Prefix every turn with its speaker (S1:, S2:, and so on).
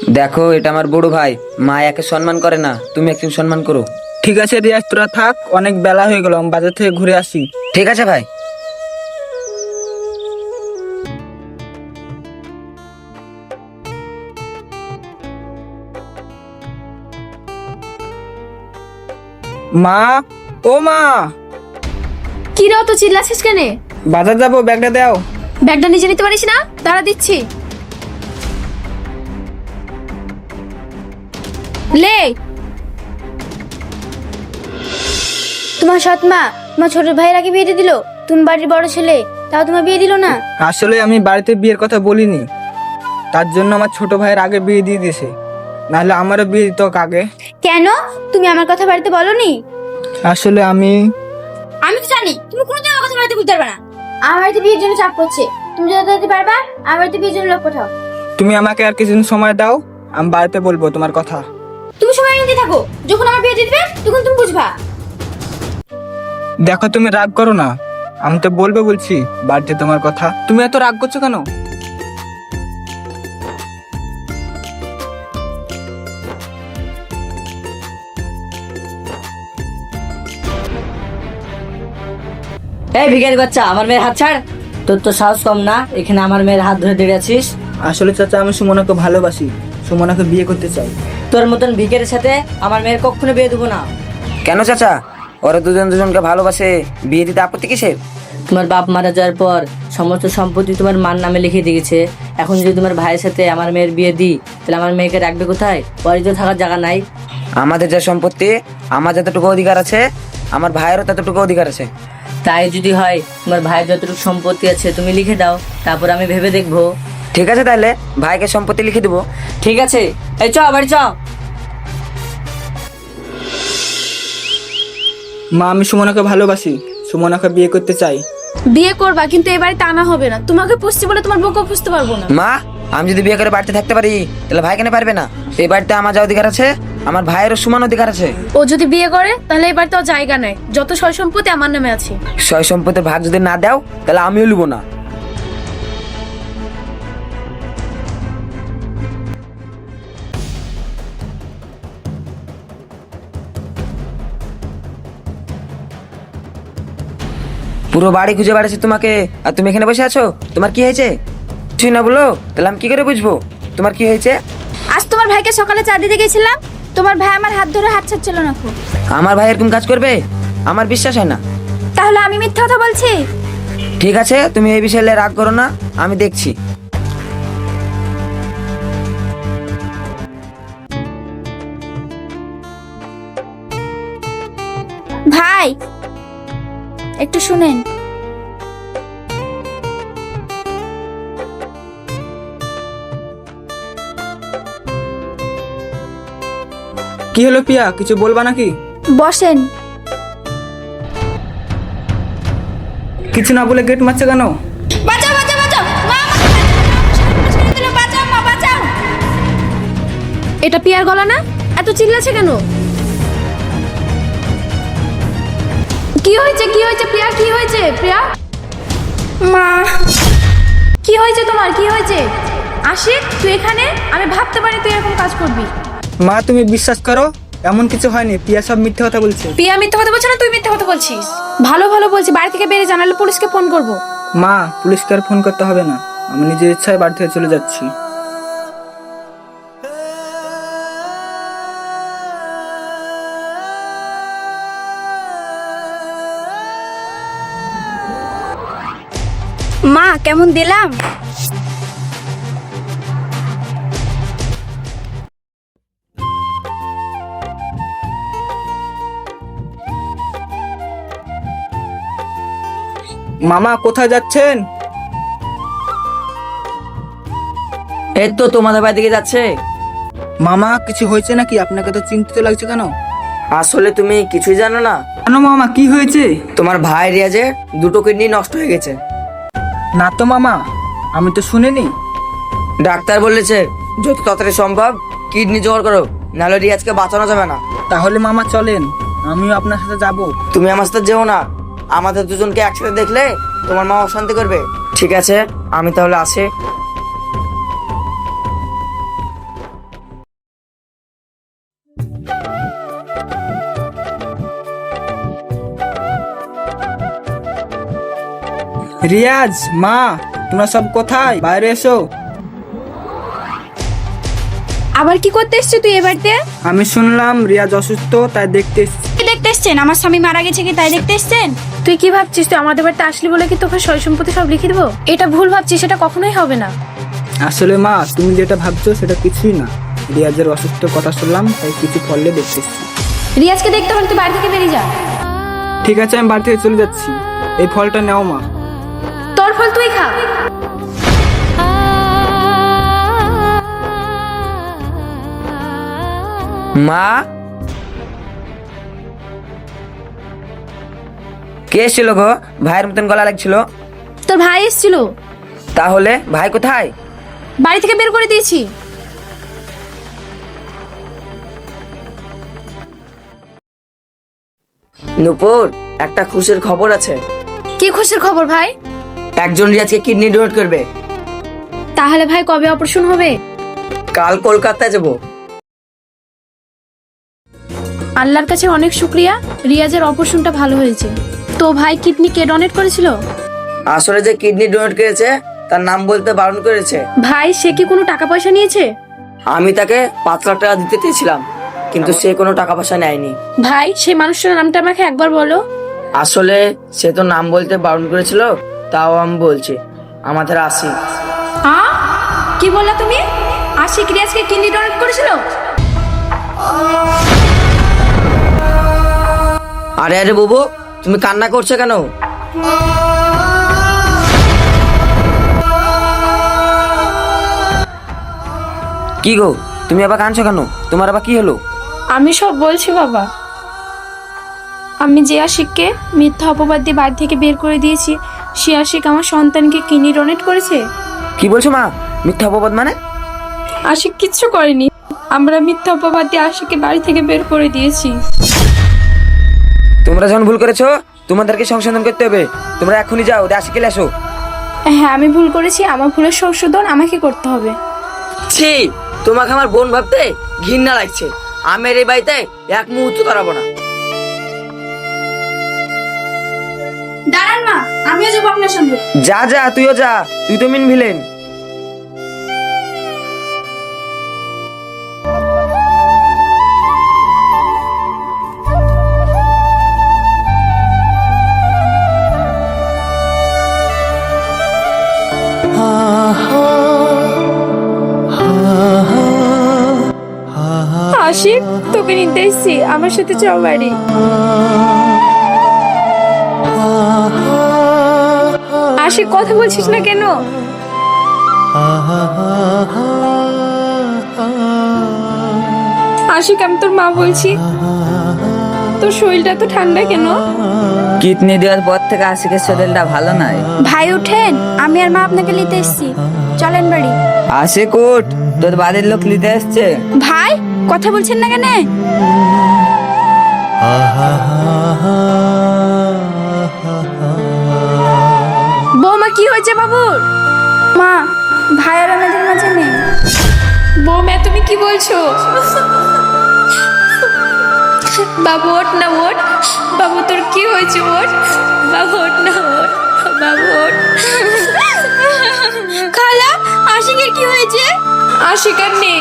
S1: দেখো, এটা আমার বড় ভাই, মা একে সম্মান করে না, তুমি একটু সম্মান করো।
S2: ঠিক আছে রিয়াজ, তোরা থাক, অনেক বেলা হয়ে গেল, আমি বাজার থেকে ঘুরে আসি।
S1: ঠিক আছে ভাই।
S2: মা, ও মা,
S3: কি রে অত চিল্লাছিস কেন?
S2: বাজার যাবো, ব্যাগটা দাও।
S3: ব্যাগটা নিজে নিতে পারিস না? দাঁড়া দিচ্ছি। লে।
S4: তোমার সৎ মা তোমার ছোট ভাইয়ের আগে বিয়ে দিয়ে দিল। তুমি বাড়ির বড় ছেলে, তাও তোমার বিয়ে দিল না।
S2: আসলে আমি বাড়িতে বিয়ের কথা বলিনি, তার জন্য আমার ছোট ভাইয়ের আগে বিয়ে দিয়ে দিয়েছে, নাহলে আমারও বিয়ে দিত আগে।
S4: কেন তুমি আমার কথা বাড়িতে বলনি?
S2: আসলে আমি
S4: তো জানি তুমি কোনোদিন আমার কথা বাড়িতে বলতে পারবে না। আমার বাড়িতে বিয়ের জন্য চাপ করছে, তুমি যত তাড়াতাড়ি পারবা আমার বাড়িতে বিয়ের জন্য লোক পাঠাও।
S2: তুমি আমাকে আর কিছুদিন সময় দাও, আমি বাড়িতে বলবো তোমার কথা।
S4: তুমি সময় নিতে থাকো, যখন আমার বিয়ে দিয়ে দিবে তখন তুমি বুঝবা।
S2: দেখো তুমি রাগ করো না, আমি তো বলবো বলছি বাড়িতে তোমার কথা, তুমি এত রাগ করছো কেন?
S5: এই ভিখারি বাচ্চা, আমার মেয়ের হাত ছাড়। তোর তো সাহস কম না, এখানে আমার মেয়ের হাত ধরে দাঁড়িয়ে আছিস।
S2: আসলে চাচা, আমি সুমনাকে ভালোবাসি, সুমনাকে বিয়ে করতে চাই।
S5: তোর মতন ভিখারির সাথে আমার মেয়ের কখনো বিয়ে দেবো না।
S1: কেন চাচা, ওরা দুজনকে ভালোবাসে, বিয়ে দিতে আপত্তি কিসের?
S5: তোমার বাপ মারা যাওয়ার পর সমস্ত সম্পত্তি তোমার মার নামে লিখে দিয়েছে। এখন যদি তোমার ভাইয়ের সাথে আমার মেয়ের বিয়ে দিই, তাহলে আমার মেয়েকে রাখবে কোথায়? ওরই তো থাকার জায়গা নাই।
S1: আমাদের যা সম্পত্তি, আমার যতটুকু অধিকার আছে, আমার ভাইয়েরও ততটুকু অধিকার আছে।
S5: তাই যদি হয়, তোমার ভাইয়ের যতটুকু সম্পত্তি আছে তুমি লিখে দাও, তারপর আমি ভেবে দেখবো।
S1: ঠিক আছে, তাহলে ভাইকে সম্পত্তি লিখে দিব।
S5: ঠিক আছে, এই চ বাড়ি চ।
S2: মা, আমি সুমনাকে ভালোবাসি, সুমনাকে বিয়ে করতে চাই।
S3: বিয়ে করবা, কিন্তু এ বাড়িতে আনা হবে না। তোমাকে পুষছি বলে তোমার বউকে পুষতে পারবো না।
S1: মা, আমি যদি বিয়ে করে বাড়িতে থাকতে পারি, তাহলে ভাই কেন পারবে না? এই বাড়িতে আমার যা অধিকার আছে, আমার ভাইয়েরও সমান অধিকার আছে।
S3: ও যদি বিয়ে করে তাহলে এই বাড়িতে ওর জায়গা নেই, যত সয় সম্পত্তি আমার নামে আছে।
S1: সয় সম্পত্তির ভাগ যদি না দাও, তাহলে আমিও লুবো না। পুরো বাড়ি খুঁজে বেড়াচ্ছি তোমাকে, আর তুমি এখানে বসে আছো। তোমার কি হয়েছে? কিছুই না বলো, তাহলে আমি কি করে বুঝবো তোমার কি হয়েছে?
S4: আজ তোমার ভাইকে সকালে চা দিতে গেছিলাম, তোমার ভাই আমার হাত ধরে হাত ছাড়ছিল না খুব।
S1: আমার ভাই এরকম কাজ করবে? আমার বিশ্বাস হয় না।
S4: তাহলে আমি মিথ্যা কথা বলছি?
S1: ঠিক আছে, তুমি এই বিষয়ে রাগ করো না, আমি দেখছি।
S4: ভাই একটু শুনেন।
S2: কি হলো পিয়া, কিছু বলবা নাকি?
S4: বসেন।
S2: কিছু না বলে গেট মারছে কেন?
S4: বাঁচাও বাঁচাও বাঁচাও, মা বাঁচাও, মা বাঁচাও।
S3: এটা পিয়ার গলা না? এত চিল্লাছে কেন? কি হয়েছে, কি হয়েছে প্রিয়া, কি হয়েছে প্রিয়া?
S4: মা,
S3: কি হয়েছে তোমার, কি হয়েছে? আশিক, তুই এখানে? আমি ভাবতে পারি তুই এরকম কাজ করবি।
S2: মা, তুমি বিশ্বাস করো, এমন কিছু হয়নি, পিয়া সব মিথ্যে কথা বলছে।
S3: প্রিয়া মিথ্যা কথা বলছে না, তুই মিথ্যা কথা বলছিস। ভালো ভালো বলছি, বাড়ি থেকে বেরিয়ে জানালে পুলিশকে ফোন করব।
S2: মা, পুলিশকে আর ফোন করতে হবে না, আমি নিজের ইচ্ছায় বাড়ি থেকে চলে যাচ্ছি।
S4: মা কেমন দিলাম?
S2: মামা, কোথায় যাচ্ছেন?
S5: এই তো তোমাদের বাড়ি দিকে যাচ্ছে।
S2: মামা, কিছু হয়েছে নাকি? আপনাকে তো চিন্তিত লাগছে কেন?
S5: আসলে তুমি কিছুই জানো না।
S2: কেন মামা, কি হয়েছে?
S5: তোমার ভাই রিয়াজের দুটো কিডনি নষ্ট হয়ে গেছে।
S2: না তো মামা, আমি তো শুনিনি।
S5: ডাক্তার বলেছে যত তাড়াতাড়ি সম্ভব কিডনি জোগাড় করো, নাহলে রিয়াজকে বাঁচানো যাবে না।
S2: তাহলে মামা চলেন, আমিও আপনার সাথে যাব।
S5: তুমি আমার সাথে যেও না, আমাদের দুজনকে একসাথে দেখলে তোমার মা অশান্তি করবে। ঠিক আছে, আমি তাহলে আসি।
S2: রিয়াজ, মা, তোমরা সব কোথায়? বাইরে এসো।
S3: আবার কি করতে এসছিস তুই এ বাড়িতে?
S2: আমি শুনলাম রিয়াজ অসুস্থ, তাই দেখতে এসেছি।
S4: কি দেখতে এসছেন? আমার স্বামী মারা গেছে কি তাই দেখতে এসছেন?
S3: তুই কি ভাবছিস তুই আমাদের বাড়িতে আসলি বলে কি তোকে সয় সম্পত্তি সব লিখে দেবো? এটা ভুল ভাবছিস, সেটা কখনোই হবে না।
S2: আসলে মা, তুমি যেটা ভাবছো সেটা কিছুই না। রিয়াজের অসুস্থ কথা শুনলাম, তাই কিছু ফললে দেখতে এসেছি।
S3: রিয়াজকে দেখতে হলে তুই বাড়ি থেকে বেরিয়ে যা।
S2: ঠিক আছে, আমি বাড়ি থেকে চলে যাচ্ছি। এই ফলটা নাও মা।
S3: তোর ফল তুই খা।
S1: মা, কে এসেছিল গো? ভাইয়ের মতন গলা লাগছিল।
S3: তোর ভাই এসেছিল।
S1: তাহলে ভাই কোথায়?
S3: বাড়ি থেকে বের করে দিয়েছি।
S1: নূপুর, একটা খুশির খবর আছে।
S3: কি খুশির খবর ভাই?
S1: একজন রিয়াজকে কিডনি ডোনেট করবে।
S3: তাহলে ভাই কবে অপারেশন হবে?
S1: কাল কলকাতায় যাব।
S3: আল্লাহর কাছে অনেক শুক্রিয়া, রিয়াজের অপারেশনটা ভালো হয়েছে। তো ভাই কিডনি কে ডোনেট করেছিল?
S1: আসলে যে কিডনি ডোনেট করেছে তার নাম বলতে বারণ করেছে।
S3: ভাই সে কি কোনো টাকা পয়সা নিয়েছে?
S1: আমি তাকে 5 লাখ টাকা দিতে চেয়েছিলাম, কিন্তু সে কোনো টাকা পয়সা নেয়নি।
S3: ভাই সেই মানুষটার নামটা আমাকে একবার বলো।
S1: আসলে সে তো নাম বলতে বারণ করেছিল, তাও আমি বলছি, আমাদের আসি।
S3: কি বললা তুমি? আশিক রিয়াজকে কিডনি ডোনেট করেছিল?
S1: আরে আরে বাবু, তুমি কান্না করছো কেন? কি গো, তুমি আবার কাঁদছো কেন? তোমার আবার কি হলো?
S3: আমি সব বলছি বাবা। আমি যে আশিককে মিথ্যা অপবাদ দিয়ে বাড়ি থেকে বের করে দিয়েছি, সে আশিক আমার সন্তানকে কিডনি ডোনেট করেছে।
S1: কি বলছো মা? মিথ্যা অপবাদ মানে?
S3: আশিক কিচ্ছু করেনি, আমরা মিথ্যা অপবাদ দিয়ে আশিককে বাড়ি থেকে বের করে দিয়েছি।
S1: তোমরা যখন ভুল করেছো তোমাদেরকে সংশোধন করতে হবে। তোমরা এখনই যাও, আশিকে এসো।
S3: হ্যাঁ আমি ভুল করেছি, আমার ভুলের সংশোধন আমাকে করতে হবে।
S1: ছি, তোমাকে আমার বোন ভাবতে ঘৃণা লাগছে। আমি এই বাড়িতে এক মুহূর্ত দাঁড়াবো না।
S4: দাঁড়ান মা, আমিও যাবো আপনার সঙ্গে।
S1: যা যা, তুইও যা, তুই তো মিন ভিলেন।
S3: আশিক তোকে নিতে এসেছি, আমার সাথে চল বাড়ি। আশিক কথা বলছিস না কেন? আশিক আমি তোর মা বলছি, তোর শরীরটা তো ঠান্ডা কেন?
S6: কিডনি দেওয়ার পর থেকে আশিকের শরীরটা ভালো নাই।
S4: ভাই উঠেন, আমি আর মা আপনাকে নিতে এসেছি, চলেন বাড়ি।
S6: আশিক উঠ, তোর বাড়ির লোক নিতে এসছে।
S4: ভাই কথা বলছেন না কেন?
S3: বৌমা কি হয়েছে বাবুর?
S4: মা, ভাই আর আমাদের মাঝে নেই।
S3: বৌমা তুমি কি বলছো? বাবু ওঠ না, ওঠ। বাবু তোর কি হয়েছে? ওঠ বাবু, ওঠ না, ওঠ বাবু, ওঠ।
S4: খালা, আশিকের কি হয়েছে?
S3: আশিক আর নেই,